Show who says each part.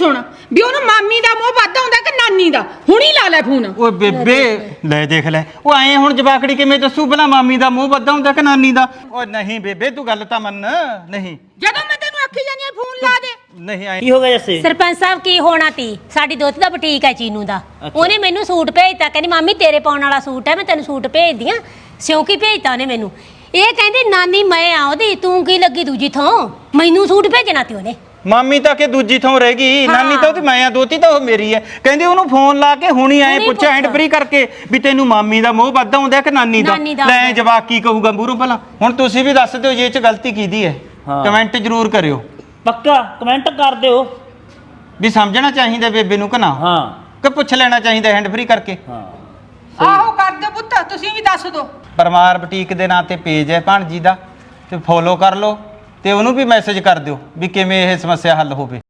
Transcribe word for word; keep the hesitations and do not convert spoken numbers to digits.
Speaker 1: ਸੁਣ ਵੀ ਉਹਨੂੰ ਮਾਮੀ ਦਾ ਮੋਹ ਵੱਧ ਆਉਂਦਾ ਕਿ ਨਾਨੀ ਦਾ ਹੁਣੀ ਲਾ ਲੈ ਫੋਨ
Speaker 2: ਓਏ ਬੇਬੇ ਲੈ ਦੇਖ ਲੈ ਉਹ ਐ ਹੁਣ ਜਵਾਕੜੀ ਕਿਵੇਂ ਦੱਸੂ ਭਲਾ ਮਾਮੀ ਦਾ ਮੋਹ ਵੱਧ ਆਉਂਦਾ ਕਿ ਨਾਨੀ ਦਾ ਓ ਨਹੀਂ ਬੇਬੇ ਤੂੰ ਗੱਲ ਤਾਂ ਮੰਨ ਨਹੀਂ
Speaker 1: ਜਦੋਂ ਮੈਂ ਤੈਨੂੰ ਆਖੀ ਜਾਨੀ ਆ ਫੋਨ ਲਾ ਦੇ
Speaker 2: ਨਹੀਂ ਐ
Speaker 3: ਕੀ ਹੋ ਗਿਆ ਜੱਸੇ?
Speaker 4: ਸਰਪੰਚ ਸਾਹਿਬ ਕੀ ਹੋਣਾ ਤੀ ਸਾਡੀ ਦੋਤੀ ਦਾ ਬੁਟੀਕ ਹੈ ਚੀਨੂ ਦਾ ਉਹਨੇ ਮੈਨੂੰ ਸੂਟ ਭੇਜਤਾ ਕਹਿੰਦੀ ਮਾਮੀ ਤੇਰੇ ਪਾਉਣ ਵਾਲਾ ਸੂਟ ਹੈ ਮੈਂ ਤੈਨੂੰ ਸੂਟ ਭੇਜਦੀ ਆ ਸਿਉਂਕੀ ਭੇਜਤਾ ਉਹਨੇ ਮੈਨੂੰ ਇਹ ਕਹਿੰਦੀ ਨਾਨੀ ਮੈਂ ਆ ਉਹਦੀ ਤੂੰ ਕੀ ਲੱਗੀ ਦੂਜੀ ਥਾਂ ਮੈਨੂੰ ਸੂਟ ਭੇਜਣਾ ਤੀ ਉਹਨੇ
Speaker 2: ਮਾਮੀ ਤਾਂ ਕਿ ਦੂਜੀ ਥਾਂ ਰਹਿ ਗਈ ਨਾਨੀ ਤਾਂ ਉਹਦੀ ਮੈਂ ਆ ਦੋਤੀ ਤਾਂ ਉਹ ਮੇਰੀ ਐ ਕਹਿੰਦੀ ਉਹਨੂੰ ਫੋਨ ਲਾ ਕੇ ਹੁਣੀ ਐ ਪੁੱਛਿਆ ਹੈਂਡ ਫ੍ਰੀ ਕਰਕੇ ਵੀ ਤੈਨੂੰ ਮਾਮੀ ਦਾ ਮੋਹ ਵੱਧ ਆਉਂਦਾ ਕਿ ਨਾਨੀ ਦਾ ਲੈ ਜਵਾਕ ਕੀ ਕਹੂਗਾ ਮੂਹਰੋਂ ਭਲਾ ਹੁਣ ਤੁਸੀਂ ਵੀ ਦੱਸ ਦਿਓ ਜੇ ਇਹ ਚ ਗਲਤੀ ਕੀਦੀ ਐ ਕਮੈਂਟ ਜ਼ਰੂਰ ਕਰਿਓ
Speaker 3: ਪੱਕਾ ਕਮੈਂਟ ਕਰ ਦਿਓ
Speaker 2: ਵੀ ਸਮਝਣਾ ਚਾਹੀਦਾ ਬੇਬੇ ਨੂੰ ਕਿ ਨਾ
Speaker 3: ਹਾਂ
Speaker 2: ਕਿ ਪੁੱਛ ਲੈਣਾ ਚਾਹੀਦਾ ਹੈਂਡ ਫ੍ਰੀ ਕਰਕੇ
Speaker 3: ਹਾਂ
Speaker 1: ਆਹੋ ਕਰ ਦਿਓ ਪੁੱਤ ਤੁਸੀਂ ਵੀ ਦੱਸ ਦਿਓ
Speaker 2: ਪਰਮਾਰ ਬੁਟੀਕ ਦੇ ਨਾਂ ਤੇ ਪੇਜ ਹੈ ਭਾਣਜੀ ਦਾ ਤੇ ਫੋਲੋ ਕਰ ਲਓ ਤੇ ਉਹਨੂੰ ਵੀ ਮੈਸੇਜ ਕਰ ਦਿਓ ਵੀ ਕਿਵੇਂ ਇਹ ਸਮੱਸਿਆ ਹੱਲ ਹੋਵੇ।